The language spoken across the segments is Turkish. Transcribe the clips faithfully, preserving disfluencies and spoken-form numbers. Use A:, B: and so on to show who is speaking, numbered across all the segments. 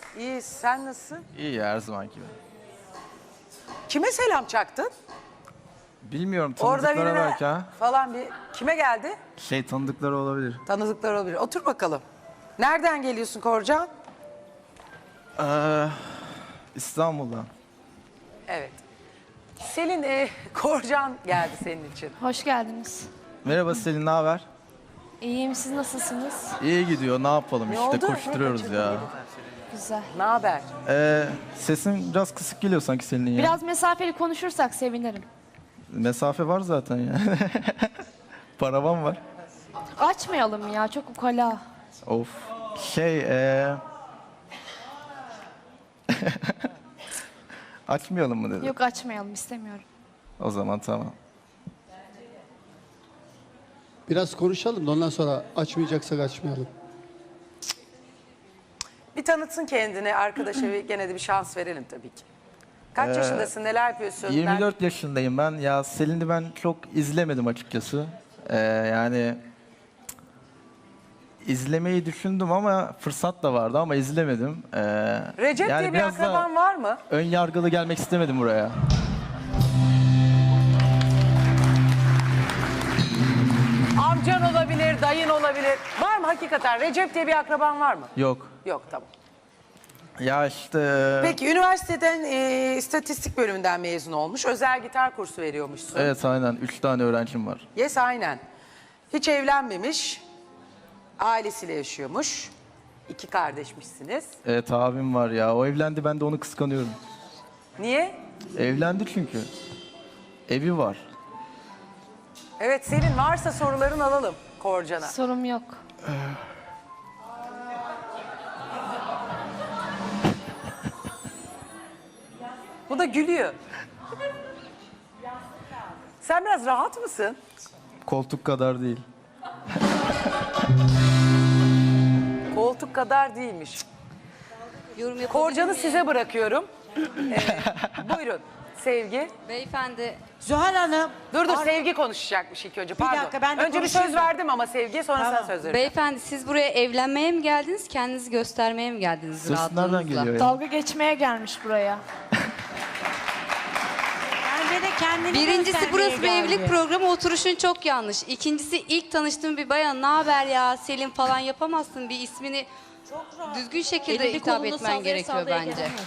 A: İyi, sen nasılsın?
B: İyi her zamanki gibi.
A: Kime selam çaktın?
B: Bilmiyorum,
A: Orada
B: tanıdıklara
A: birine
B: belki ha.
A: falan bir... Kime geldi?
B: Şey, tanıdıkları olabilir.
A: Tanıdıklar olabilir. Otur bakalım. Nereden geliyorsun Korcan?
B: Ee, İstanbul'dan.
A: Evet. Selin, e, Korcan geldi senin için.
C: Hoş geldiniz.
B: Merhaba Selin, ne haber?
C: İyiyim, siz nasılsınız?
B: İyi gidiyor, ne yapalım
A: Ne
B: işte,
A: oldu?
B: koşturuyoruz
A: Ne
B: ya.
C: Güzel.
A: Ne haber?
B: Ee, sesin biraz kısık geliyor sanki Selin'in ya.
C: Biraz mesafeli konuşursak sevinirim.
B: Mesafe var zaten ya. Paravan var.
C: Açmayalım ya, çok ukala.
B: Of. Şey, ee... açmayalım mı dedi.
C: Yok, açmayalım, istemiyorum.
B: O zaman tamam.
D: Biraz konuşalım da ondan sonra açmayacaksak açmayalım.
A: Bir tanıtsın kendini arkadaşa ve gene de bir şans verelim tabii ki. Kaç yaşındasın, neler yapıyorsun?
B: yirmi dört yaşındayım ben. Ya Selin'i ben çok izlemedim açıkçası. Ee, yani izlemeyi düşündüm ama fırsat da vardı ama izlemedim. Ee,
A: Recep
B: yani
A: diye bir
B: biraz da
A: akraban var mı?
B: ön yargılı gelmek istemedim buraya.
A: Amcan olabilir, dayın olabilir. Var mı hakikaten? Recep diye bir akraban var mı?
B: Yok.
A: Yok, tamam.
B: Ya işte...
A: Peki üniversiteden e, istatistik bölümünden mezun olmuş. Özel gitar kursu veriyormuşsun.
B: Evet aynen. Üç tane öğrencim var.
A: Yes, aynen. Hiç evlenmemiş. Ailesiyle yaşıyormuş. İki kardeşmişsiniz.
B: Evet abim var ya. O evlendi, ben de onu kıskanıyorum.
A: Niye?
B: Evlendi çünkü. Evi var.
A: Evet, senin varsa soruların alalım Korcan'a.
C: Sorum yok.
A: Bu da gülüyor. Sen biraz rahat mısın?
B: Koltuk kadar değil.
A: Koltuk kadar değilmiş.
E: Yorum yapabilir
A: Korcan'ı
E: miyim?
A: size bırakıyorum. Ee, buyurun Sevgi.
E: Beyefendi,
F: Zuhal Hanım.
A: Dur dur
F: ar-
A: Sevgi konuşacakmış ilk önce. Pardon.
F: dakika, ben de
A: önce bir
F: konuşayım
A: söz
F: da.
A: verdim ama Sevgi'ye sonra
F: Tamam.
A: sen söz verin.
E: beyefendi siz buraya evlenmeye mi geldiniz, kendinizi göstermeye mi geldiniz
B: Ses nereden
E: rahatlığınızla?
B: geliyor ya?
C: Dalga geçmeye gelmiş buraya.
F: Bence de kendini
E: Birincisi
F: göstermeye
E: burası bir
F: geldi.
E: evlilik programı, oturuşun çok yanlış. İkincisi ilk tanıştığım bir bayan, ne haber ya Selin falan yapamazsın, bir ismini düzgün şekilde
C: Elini
E: hitap
C: kolunu
E: etmen
C: sallaya
E: gerekiyor
C: sallaya
E: bence.
C: gelemezsin.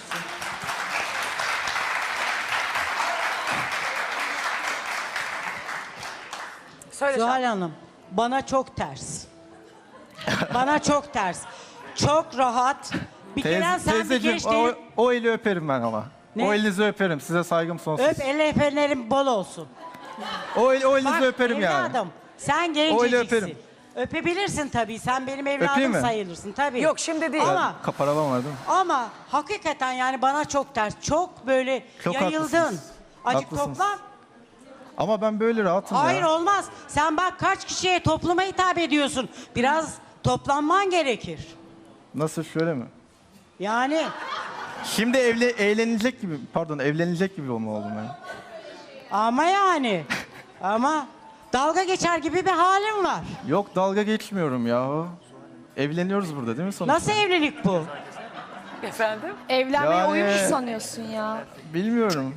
A: Söyle
F: Zuhal
A: Şahin.
F: Hanım, bana çok ters. Bana çok ters. Çok rahat. Bir kere
B: Teyze,
F: sen bir
B: teyzeciğim,
F: geç
B: o,
F: değil.
B: o eli öperim ben ama.
F: Ne?
B: O elinizi öperim. Size saygım sonsuz.
F: Öp, el efenlerin bol olsun.
B: O, el, o elinizi
F: Bak
B: öperim yani.
F: evladım, sen
B: Öyle
F: genceciksin.
B: öperim.
F: Öpebilirsin tabii. Sen benim
B: Öpeyim
F: evladım
B: mi?
F: sayılırsın tabii.
A: Yok, şimdi değil.
F: Ama
B: Kaparavan var değil mi?
F: ama hakikaten yani bana çok ters. Çok böyle
B: Çok
F: yayıldın.
B: haklısınız.
F: Acık
B: Haklısınız.
F: toplan.
B: Ama ben böyle rahatım
F: Hayır
B: ya.
F: olmaz. Sen bak kaç kişiye topluma hitap ediyorsun. Biraz toplanman gerekir.
B: Nasıl, şöyle mi?
F: Yani
B: Şimdi evle, eğlenilecek gibi, pardon evlenilecek gibi olma oldum ben.
F: ama yani ama dalga geçer gibi bir halim var.
B: Yok, dalga geçmiyorum ya. Evleniyoruz burada değil mi sonuçta?
F: Nasıl evlilik bu?
A: Efendim?
C: Evlenmeye
B: Yani-
C: uyumuş sanıyorsun ya.
B: Bilmiyorum.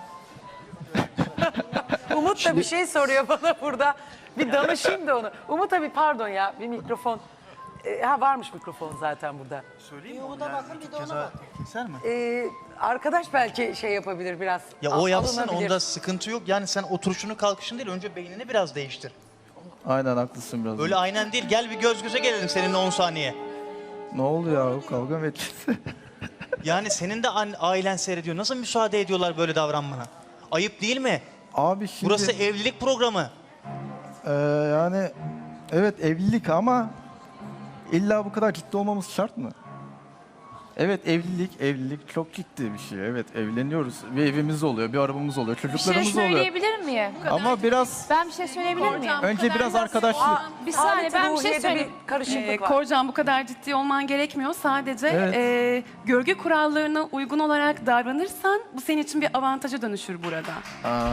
A: Umut da bir şey soruyor bana burada. Bir danışayım da onu. Umut abi pardon ya, bir mikrofon. Ee, ha varmış mikrofon zaten burada.
G: Keser mi?
A: Ee, arkadaş belki şey yapabilir biraz.
G: Ya
A: al-
G: o yapsın,
A: alınabilir.
G: onda sıkıntı yok. Yani sen oturuşunu kalkışın değil, önce beynini biraz değiştir.
B: Aynen haklısın biraz.
G: Öyle aynen değil, gel bir göz göze gelelim seninle on saniye.
B: Ne oldu ya? Kavga mı edeceğiz?
G: Yani senin de an- ailen seyrediyor. Nasıl müsaade ediyorlar böyle davranmana? Ayıp değil mi?
B: Abi şimdi...
G: Burası evlilik programı.
B: Ee, yani evet evlilik ama illa bu kadar ciddi olmamız şart mı? Evet evlilik, evlilik çok ciddi bir şey. Evet evleniyoruz. Bir evimiz oluyor, bir arabamız oluyor,
C: Bir şey
B: çocuklarımız oluyor.
C: söyleyebilir miyim?
B: Ama biraz
C: Ben bir şey söyleyebilir miyim?
B: önce biraz arkadaşlık.
C: Bir saniye, ben bir şey
A: Ruhiye'de
C: söyleyeyim.
A: bir karışıklık
H: Ee,
A: var.
H: Korcan, bu kadar ciddi olman gerekmiyor. Sadece
B: Evet.
H: e, görgü kurallarına uygun olarak davranırsan bu senin için bir avantaja dönüşür burada.
B: Aa.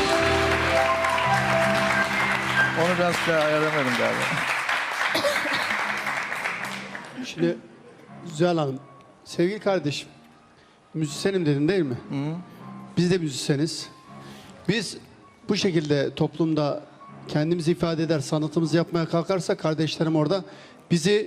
B: Onu biraz şey ayaramadım galiba.
D: Şimdi Zuhal Hanım, Sevgili kardeşim, müzisyenim dedin değil mi? Biz de müzisyeniz. Biz bu şekilde toplumda kendimizi ifade eder, sanatımızı yapmaya kalkarsak kardeşlerim orada bizi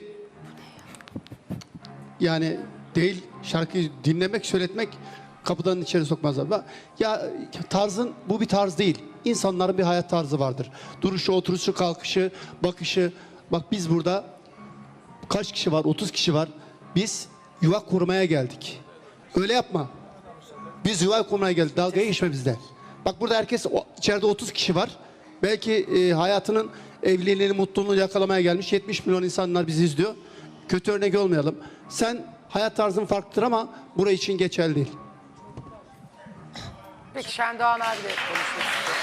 D: yani değil şarkıyı dinlemek, söyletmek kapıdan içeri sokmazlar. Bak, ya tarzın bu bir tarz değil. İnsanların bir hayat tarzı vardır. Duruşu, oturuşu, kalkışı, bakışı. Bak biz burada kaç kişi var? otuz kişi var. Biz yuva kurmaya geldik. Öyle yapma. Biz yuva kurmaya geldik. Dalgaya geçme bizde. Bak burada herkes o- içeride otuz kişi var. Belki e, hayatının evliliğini, mutluluğunu yakalamaya gelmiş yetmiş milyon insanlar bizi izliyor. Kötü örnek olmayalım. Sen hayat tarzın farklıdır ama burası için geçerli değil.
A: Peki Şendoğan abi de konuşmak istiyor.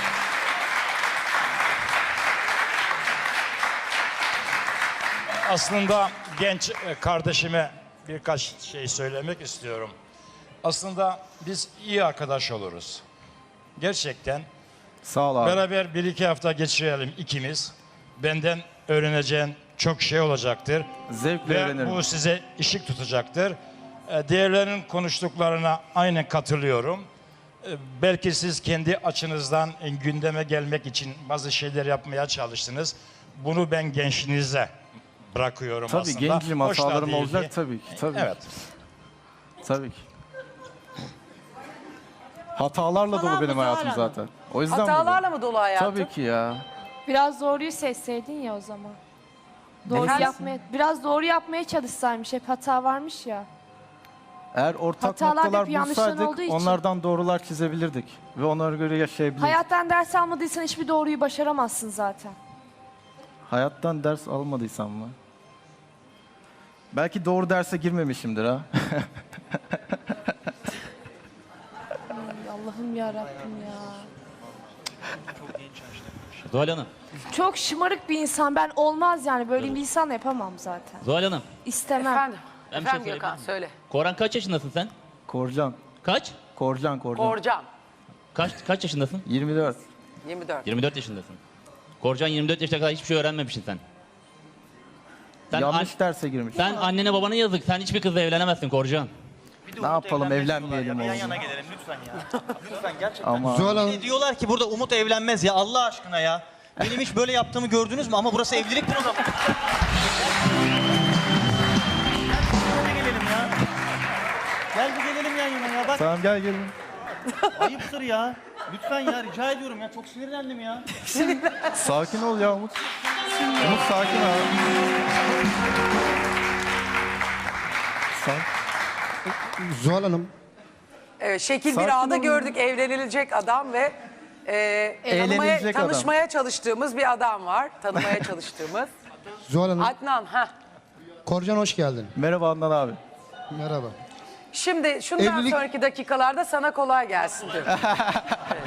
I: Aslında genç e, kardeşime birkaç şey söylemek istiyorum. Aslında biz iyi arkadaş oluruz. Gerçekten
B: Sağ ol abi.
I: beraber bir iki hafta geçirelim ikimiz. Benden öğreneceğin çok şey olacaktır.
B: Zevkle
I: Ve
B: öğrenirim.
I: bu size ışık tutacaktır. E, Diğerlerinin konuştuklarına aynen katılıyorum. E, Belki siz kendi açınızdan e, gündeme gelmek için bazı şeyler yapmaya çalıştınız. Bunu ben gençliğinize bırakıyorum
B: Tabii
I: aslında.
B: gencim,
I: Hoş da
B: hatalarım
I: değil
B: olacak
I: ki.
B: tabii ki. Tabii.
I: Evet.
B: Tabii ki. Hatalarla
F: Falan
B: dolu benim
F: mı,
B: hayatım
F: Zuhal
B: zaten. O yüzden
A: Hatalarla
B: buradayım.
A: mı dolu hayatın?
B: Tabii ki ya.
C: Biraz doğruyu seçseydin ya o zaman. Doğru
A: Efendim?
C: yapmaya, biraz doğru yapmaya çalışsaymış. Hep hata varmış ya.
B: Eğer ortak
C: Hatalar
B: noktalar
C: hep yanlışların
B: bulsaydık
C: olduğu için.
B: onlardan doğrular çizebilirdik. Ve onlara göre yaşayabilirdik.
C: Hayattan ders almadıysan hiçbir doğruyu başaramazsın zaten.
B: Hayattan ders almadıysam mı? Belki doğru derse girmemişimdir ha.
C: Ay, Allah'ım ya Rabbim ya.
J: Zuhal Hanım,
C: Çok şımarık bir insan. Ben olmaz yani. Böyle bir insanla yapamam zaten.
J: Zuhal Hanım.
C: İstemem.
A: Efendim,
J: Ben bir şey
A: efendim
J: söyleyebilir
A: Gökhan
J: miyim?
A: söyle.
J: Koran kaç yaşındasın sen?
B: Korcan.
J: Kaç?
B: Korcan, Korcan.
A: Korcan,
J: Kaç kaç yaşındasın?
B: yirmi dört.
A: yirmi dört.
J: yirmi dört yaşındasın. Korcan yirmi dört yaşına kadar hiçbir şey öğrenmemişsin sen. Sen,
B: Yanlış
J: an-
B: derse girmiş.
J: sen annene babana yazık. Sen hiçbir kızla evlenemezsin Korcan.
G: Bir de
B: Ne
G: Umut
B: yapalım,
G: evlenmez
B: evlenmeyelim
G: diyorlar ya. Bir yan
B: oğlum.
G: yana gelelim lütfen ya. Lütfen gerçekten.
B: Ama
D: Zuhal Hanım,
G: Bir de diyorlar ki burada Umut evlenmez ya Allah aşkına ya. Benim hiç böyle yaptığımı gördünüz mü? Ama burası evliliktir o zaman. Gel bir gelelim ya. Gel bir gelelim yan yana ya. Bak
B: tamam gel gelin.
G: ayıptır ya. Lütfen ya rica ediyorum ya. Çok sinirlendim ya.
B: Sakin ol ya Umut. Umut sakin ol. Sakin.
D: Zuhal Hanım,
A: Evet, şekil
B: Sakin
A: bir ağda
B: olun.
A: gördük evlenilecek adam ve e, tanımaya,
B: Eğlenilecek adam.
A: tanışmaya çalıştığımız bir adam var. Tanımaya çalıştığımız.
D: Zuhal Hanım,
A: Adnan, ha.
D: Korcan hoş geldin.
B: Merhaba Adnan abi.
D: Merhaba.
A: Şimdi şundan
D: Evlilik-
A: sonraki dakikalarda sana kolay gelsin diyorum. Evet.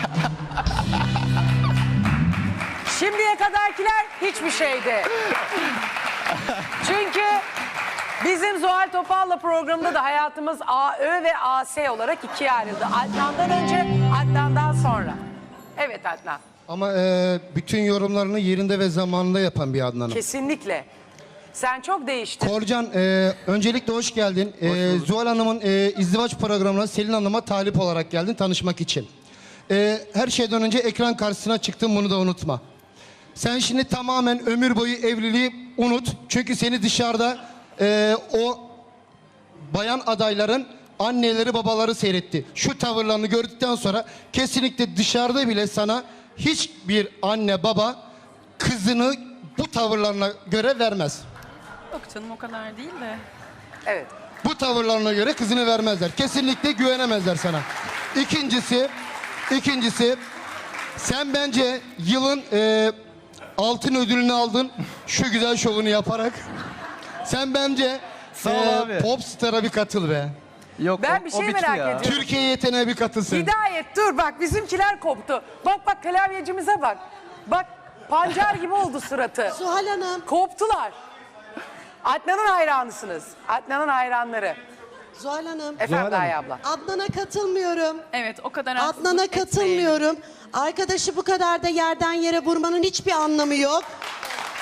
A: Şimdiye kadarkiler hiçbir şeydi. Çünkü bizim Zuhal Topal'la programda da hayatımız A Ö ve A S olarak ikiye ayrıldı. Adnan'dan önce, Adnan'dan sonra. Evet Adnan,
D: Ama e, bütün yorumlarını yerinde ve zamanında yapan bir Adnan'ım.
A: kesinlikle. Sen çok değiştin.
D: Korcan, e, öncelikle hoş geldin. E, Zuhal Hanım'ın e, izdivaç programına Selin Hanım'a talip olarak geldin tanışmak için. E, her şeyden önce ekran karşısına çıktın, bunu da unutma. Sen şimdi tamamen ömür boyu evliliği unut. Çünkü seni dışarıda e, o bayan adayların anneleri babaları seyretti. Şu tavırlarını gördükten sonra kesinlikle dışarıda bile sana hiçbir anne baba kızını bu tavırlarına göre vermez.
H: Yok canım o kadar değil de.
A: Evet.
D: Bu tavırlarına göre kızını vermezler. Kesinlikle güvenemezler sana. İkincisi, ikincisi sen bence yılın e, altın ödülünü aldın şu güzel şovunu yaparak. Sen bence
B: Sağ ol
D: e,
B: abi.
D: Popstar'a bir katıl be.
B: Yok
A: Ben
B: o-
A: bir
B: o
A: şey
B: bitti
A: merak
B: ya.
A: ediyorum.
D: Türkiye yeteneğe bir katılsın.
A: Hidayet dur bak bizimkiler koptu. Bak bak klavyecimize bak. Bak pancar gibi oldu suratı.
F: Zuhal Hanım.
A: Koptular. Adnan'ın hayranısınız. Adnan'ın hayranları.
F: Zuhal Hanım.
A: Efendim Gaye abla.
F: Adnan'a katılmıyorum.
H: Evet o kadar
F: Adnan'a
H: haksızlık etmeyin.
F: katılmıyorum. Arkadaşı bu kadar da yerden yere vurmanın hiçbir anlamı yok.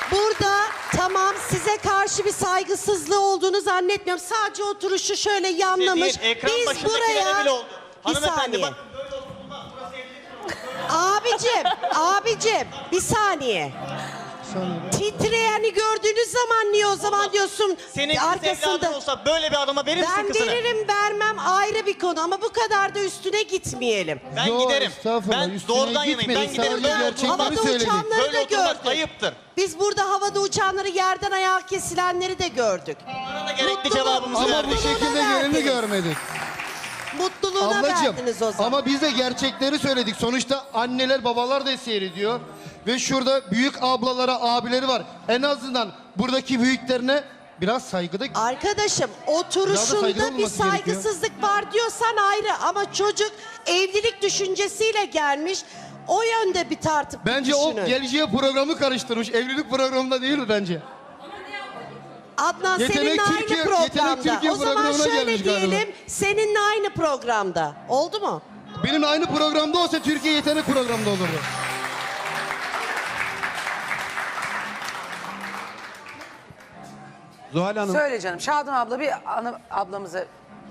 K: burada tamam size karşı bir saygısızlığı olduğunu zannetmiyorum. Sadece oturuşu şöyle yanlamış.
G: Değil, ekran
K: Biz
G: başındakilere
K: buraya...
G: bile oldu.
K: Bir
G: Hanımefendi
K: saniye.
G: bak böyle oturulmaz. Burası evlilik.
K: Abicim, abicim bir saniye. Titreyeni gördüğünüz zaman niye o zaman diyorsun
G: Senin kız evladın olsa böyle bir adama verir misin
K: Ben
G: kızını?
K: veririm vermem ayrı bir konu ama bu kadar da üstüne gitmeyelim.
G: Ben
L: Yo,
G: giderim.
L: estağfurullah,
G: Ben
L: üstüne
G: doğrudan yanayım. Ben
L: gitmedik,
G: giderim.
L: sadece
G: Böyle
L: gerçekleri
G: oturulmaz.
K: Havada
L: söyledik.
K: uçanları
G: Böyle
K: da
G: oturulmaz.
K: gördük.
G: Ayıptır.
K: Biz burada havada uçanları yerden ayağa kesilenleri de gördük.
G: Bana da gerekli
K: Mutluluğu-
G: cevabımızı
L: Ama
G: verdik.
L: bu şekilde
K: verdiniz.
L: geleni görmedik.
K: Mutluluğuna
L: Ablacığım
K: verdiniz o zaman.
L: ama biz de gerçekleri söyledik. Sonuçta anneler babalar da seyrediyor. Ve şurada büyük ablalara abileri var. En azından buradaki büyüklerine biraz saygıda...
K: Arkadaşım
L: Biraz da
K: oturuşunda
L: saygılı
K: bir
L: olması gerekiyor.
K: saygısızlık var diyorsan ayrı ama çocuk evlilik düşüncesiyle gelmiş. O yönde bir tartıp
L: Bence
K: düşünün.
L: o geleceğe programı karıştırmış. Evlilik programında değil mi bence?
K: Adnan
L: Yetenek
K: seninle
L: Türkiye-
K: aynı
L: Yetenek
K: programda.
L: Türkiye
K: O zaman
L: programına
K: şöyle
L: gelmiş galiba.
K: diyelim seninle aynı programda. Oldu mu?
L: Benim aynı programda olsa Türkiye Yetenek programında olurdu.
M: Zuhal Hanım,
A: Söyle canım. Şadan abla bir ana, ablamıza...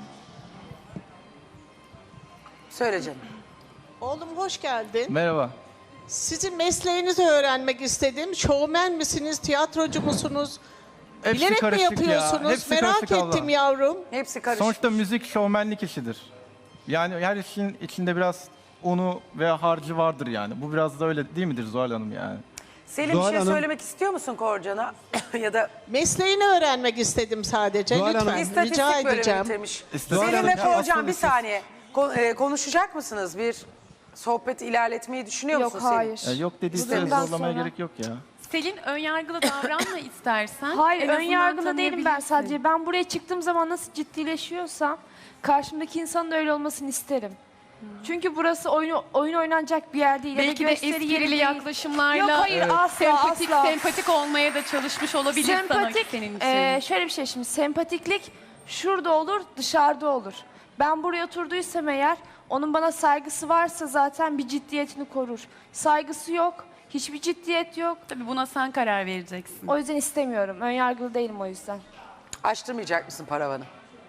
A: Söyle canım.
N: Oğlum hoş geldin.
B: Merhaba.
N: Sizin mesleğinizi öğrenmek istedim. Şovmen misiniz, tiyatrocu musunuz?
B: Hepsi
N: Bilerek mi
B: karışık ya,
N: yapıyorsunuz?
B: hepsi
N: Merak
B: karışık abla.
N: ettim yavrum.
A: Hepsi karışık.
B: Sonuçta müzik şovmenlik işidir. Yani her işin içinde biraz unu veya harcı vardır yani. Bu biraz da öyle değil midir Zuhal Hanım yani?
A: Selim
M: Zuhal
A: bir şey
M: Hanım-
A: söylemek istiyor musun Korcan'a? Ya da
N: Mesleğini öğrenmek istedim sadece.
M: Zuhal Hanım-
N: Lütfen
A: istatistik
N: rica
A: bölümü
N: edeceğim.
A: bitirmiş.
B: İstatistik
A: Selim ve
B: bölümü.
A: Korcan bir
B: Aslında
A: saniye. Ko- e, konuşacak mısınız? Bir sohbet ilerletmeyi düşünüyor
C: Yok
A: musun Selim?
C: hayır.
B: E, yok dediyse
C: Bundan
B: zorlamaya
C: sonra-
B: gerek yok ya.
H: Selin önyargılı davranma istersen.
C: Hayır
H: En
C: ön
H: azından
C: yargılı değilim ben
H: tanıyabilirsin.
C: sadece. Ben buraya çıktığım zaman nasıl ciddileşiyorsam karşımdaki insanın da öyle olmasını isterim. Çünkü burası oyun, oyun oynanacak bir yer değil. ya da
H: Belki de
C: gösteri yeri
H: esprili
C: değil.
H: yaklaşımlarla
C: Yok, hayır,
H: e,
C: asla,
H: sempatik,
C: asla.
H: sempatik olmaya da çalışmış olabilir
C: Sempatik,
H: sana senin için.
C: e, şöyle bir şey şimdi sempatiklik şurada olur dışarıda olur. Ben buraya oturduysam eğer onun bana saygısı varsa zaten bir ciddiyetini korur. Saygısı yok, hiçbir ciddiyet yok.
H: Tabii buna sen karar vereceksin.
C: O yüzden istemiyorum. Önyargılı değilim o yüzden.
A: Açtırmayacak mısın paravanı?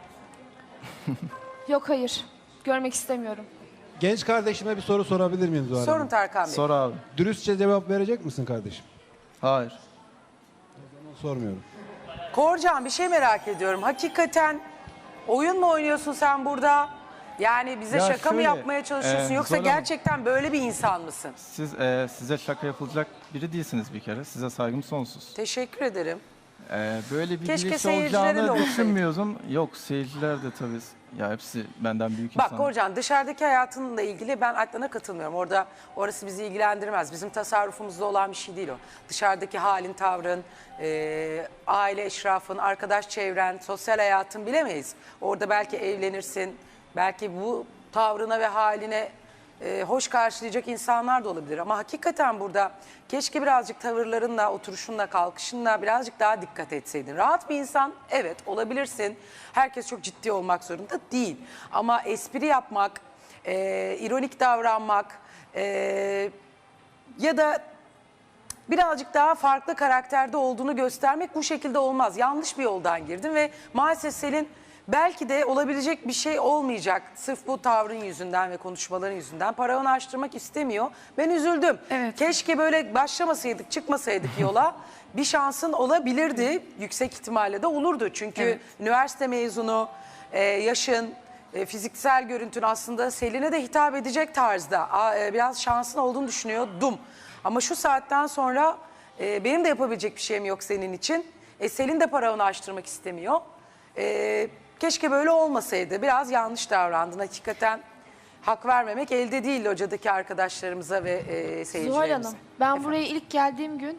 C: Yok hayır. Görmek istemiyorum.
M: genç kardeşime bir soru sorabilir miyim Zuhal
A: Sorun
M: Hanım?
A: Tarkan Bey.
B: Sor abi.
M: Dürüstçe cevap verecek misin kardeşim?
B: Hayır.
M: Sormuyorum.
A: Korcan bir şey merak ediyorum. Hakikaten oyun mu oynuyorsun sen burada? Yani bize
B: Ya
A: şaka mı
B: şöyle,
A: yapmaya çalışıyorsun
B: e,
A: yoksa
B: Zuhal Hanım-
A: gerçekten böyle bir insan mısın?
B: Siz e, size şaka yapılacak biri değilsiniz bir kere. Size saygım sonsuz.
A: Teşekkür ederim.
B: E, böyle bir
A: Keşke
B: giriş
A: seyircilere de
B: olacağını
A: olsaydı.
B: düşünmüyordum. Yok seyirciler de tabii. Ya hepsi benden büyük
A: Bak
B: insanlar.
A: Korcan dışarıdaki hayatınla ilgili ben Adnan'a katılmıyorum. Orada orası bizi ilgilendirmez. Bizim tasarrufumuzda olan bir şey değil o. Dışarıdaki halin, tavrın, e, aile eşrafın, arkadaş çevren, sosyal hayatın bilemeyiz. Orada belki evlenirsin, belki bu tavrına ve haline e, hoş karşılayacak insanlar da olabilir. Ama hakikaten burada keşke birazcık tavırlarınla, oturuşunla, kalkışınla birazcık daha dikkat etseydin. Rahat bir insan, evet olabilirsin. Herkes çok ciddi olmak zorunda değil. Ama espri yapmak, e, ironik davranmak e, ya da birazcık daha farklı karakterde olduğunu göstermek bu şekilde olmaz. Yanlış bir yoldan girdin ve maalesef Selin belki de olabilecek bir şey olmayacak. Sırf bu tavrın yüzünden ve konuşmaların yüzünden paravanı açtırmak istemiyor. Ben üzüldüm.
H: Evet.
A: Keşke böyle başlamasaydık, çıkmasaydık yola. Bir şansın olabilirdi. Yüksek ihtimalle de olurdu. Çünkü
H: Evet.
A: üniversite mezunu, e, yaşın, e, fiziksel görüntün aslında Selin'e de hitap edecek tarzda. A, e, biraz şansın olduğunu düşünüyordum. Ama şu saatten sonra e, benim de yapabilecek bir şeyim yok senin için. E, Selin de paravanı açtırmak istemiyor. E, keşke böyle olmasaydı. Biraz yanlış davrandın. Hakikaten hak vermemek elde değil locadaki arkadaşlarımıza ve e, seyircilerimize.
C: Zuhal Hanım, ben
A: Efendim?
C: buraya ilk geldiğim gün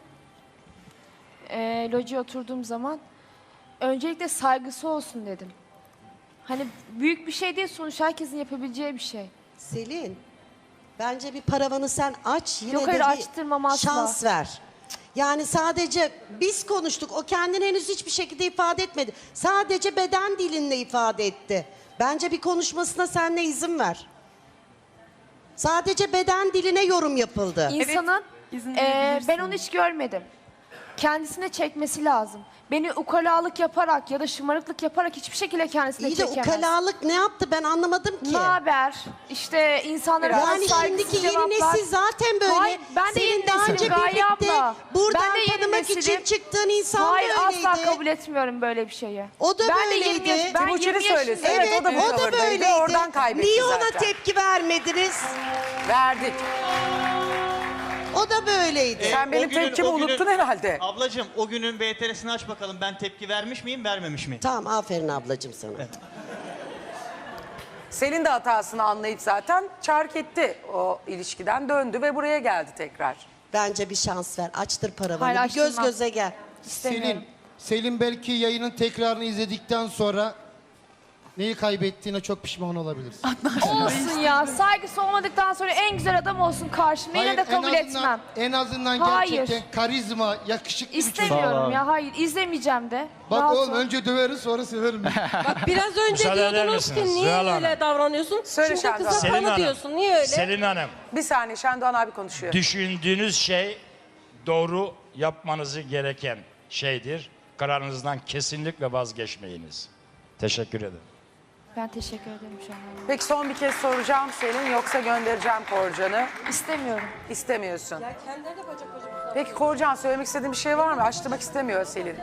C: e, locaya oturduğum zaman öncelikle saygısı olsun dedim. Hani büyük bir şey değil sonuç herkesin yapabileceği bir şey.
K: Selin, bence bir paravanı sen aç yine
C: Yok,
K: de
C: hayır,
K: bir
C: açtırmam asla.
K: şans ver. Yani sadece biz konuştuk. O kendini henüz hiçbir şekilde ifade etmedi. Sadece beden dilinle ifade etti. Bence bir konuşmasına sen de izin ver. Sadece beden diline yorum yapıldı.
C: İnsanın
H: izin
C: e,
H: verebilirsin.
C: ben onu hiç görmedim. kendisine çekmesi lazım. Beni ukalalık yaparak ya da şımarıklık yaparak hiçbir şekilde kendisine
K: İyi de
C: çekemez.
K: ukalalık ne yaptı ben anlamadım ki.
C: Ne haber? İşte insanlara
K: Yani
C: biraz saygısız
K: şimdiki yeni
C: cevaplar.
K: nesil zaten böyle.
C: Hayır, ben de
K: Senin
C: yeni
K: daha
C: nesilim
K: önce
C: Gaye
K: birlikte
C: abla.
K: buradan
C: Ben de yeni
K: tanımak için
C: nesilim.
K: çıktığın insan
C: Hayır,
K: da öyleydi.
C: asla kabul etmiyorum böyle bir şeyi.
K: O da
C: ben
K: böyleydi.
C: De yirmi yaş, ben
A: Timuçin'i
C: yirmi yaşındayım.
A: söylesin.
K: Evet,
A: Evet, o da bu
K: o da
A: tavırdaydı.
K: böyleydi.
A: Oradan kaybetti
K: Niye ona
A: zaten.
K: tepki vermediniz?
A: Verdik.
K: O da böyleydi.
A: Sen benim
G: o günün-
A: tepkimi
G: o günün-
A: unuttun herhalde.
G: Ablacığım o günün B T R'sini aç bakalım. Ben tepki vermiş miyim, vermemiş miyim?
K: Tamam aferin ablacığım sana.
A: Selin de hatasını anlayıp zaten çark etti o ilişkiden, döndü ve buraya geldi tekrar.
K: Bence bir şans ver. Açtır paravanı.
C: Hayır,
K: bir göz
C: açtırmam.
K: göze gel.
C: İstemiyorum.
L: Selin, Selin belki yayının tekrarını izledikten sonra neyi kaybettiğine çok pişman olabilirsin.
C: Olsun ya. Saygısı olmadıktan sonra en güzel adam olsun karşımda. Yine
L: Hayır,
C: de kabul
L: en azından,
C: etmem.
L: En azından
C: Hayır.
L: gerçekten karizma, yakışıklı bir çocuk.
C: İstemiyorum ya. Hayır, izlemeyeceğim de.
L: Bak
C: Rahat
L: oğlum
C: ol.
L: önce döveriz sonra severim.
O: Biraz önce
I: Müsaade eder
O: diyordunuz ki
I: misiniz?
O: niye
I: Zuhal Hanım.
O: öyle davranıyorsun?
A: Söyle
O: Şimdi
A: Şendoğan.
O: kıza
I: Selin
O: kanı
I: Hanım.
O: diyorsun. Niye öyle?
I: Selin Hanım,
A: Bir saniye, Şendoğan abi konuşuyor.
I: düşündüğünüz şey doğru yapmanızı gereken şeydir. Kararınızdan kesinlikle vazgeçmeyiniz. Teşekkür ederim.
C: Ben teşekkür ederim şu an.
A: Peki son bir kez soracağım Selin, yoksa göndereceğim Korcan'ı.
C: İstemiyorum.
A: İstemiyorsun.
O: Ya kendileri de bacak bacak.
A: Peki Korcan, söylemek istediğin bir şey var mı? Açtırmak istemiyor Selin.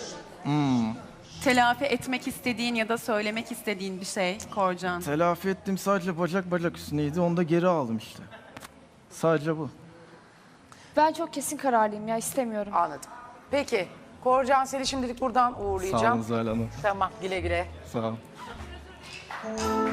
H: Telafi etmek istediğin ya da söylemek istediğin bir şey Korcan.
B: Telafi ettim, sadece bacak bacak üstüneydi. Onu da geri aldım işte. Sadece bu.
C: Ben çok kesin kararlıyım ya. İstemiyorum.
A: Anladım. Peki Korcan, seni şimdilik buradan
B: Sağ
A: uğurlayacağım.
B: olun Zuhal Hanım.
A: Tamam, güle güle.
B: Sağ olun.